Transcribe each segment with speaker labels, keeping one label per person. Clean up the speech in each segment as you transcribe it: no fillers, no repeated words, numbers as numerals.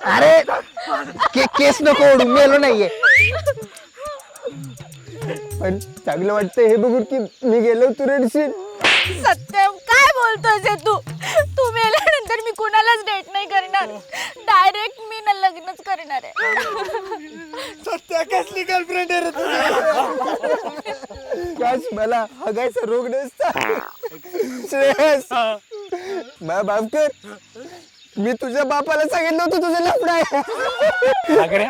Speaker 1: अरे केस नको ओढू, मेलो नाहीये. पण चांगलं वाटतंय हे बघून की मी गेलो तू रडशील.
Speaker 2: सत्यम काय बोलतोय तू? तू मेल्यानंतर मी कुणालाच डेट नाही करणार, डायरेक्ट मी ना लग्नच करणार आहे.
Speaker 3: सत्या कसली गर्लफ्रेंड आहे रे तुझी?
Speaker 1: काश मला हगायचा रोग नसता. श्रेयस मा बाप कर, मी तुझ्या बापाला सांगितलं होतं तुझं लफडं आहे.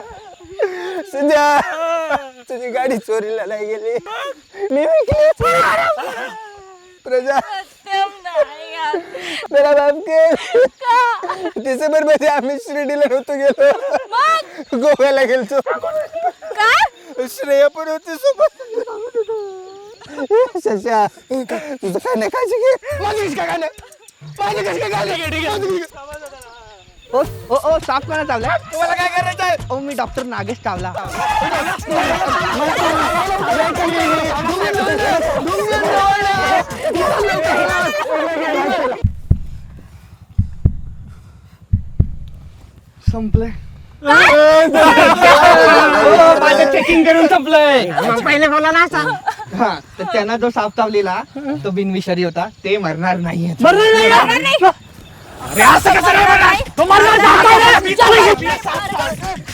Speaker 1: सध्या तुझी गाडी चोरीला नाही गेली, मी विकली. प्रजा
Speaker 2: सत्यम नाही यार.
Speaker 1: मेरा बाप कर. डिसेंबर मध्ये आम्ही शिर्डीला नव्हतो गेलो, गोव्याला गेलतो.
Speaker 2: काय?
Speaker 1: श्रेया पण होती सोबत. शशा तुझं काय नाही काळजी घे. माझी काय गाणं, माझी कसं काय गाणं. ओ ओ ओ साफ कोणा चावला?
Speaker 3: तुम्हाला काय करायचं आहे?
Speaker 1: ओ मी डॉक्टर नागेश चावला. संपलंय.
Speaker 3: माझं चेकिंग करून संपलंय.
Speaker 1: पहिले बोला ना असा. हा तर त्यांना जो साप चावलेला तो बिनविषारी होता, ते मरणार नाही.
Speaker 3: अरे असं कसं नाही? तो मरणार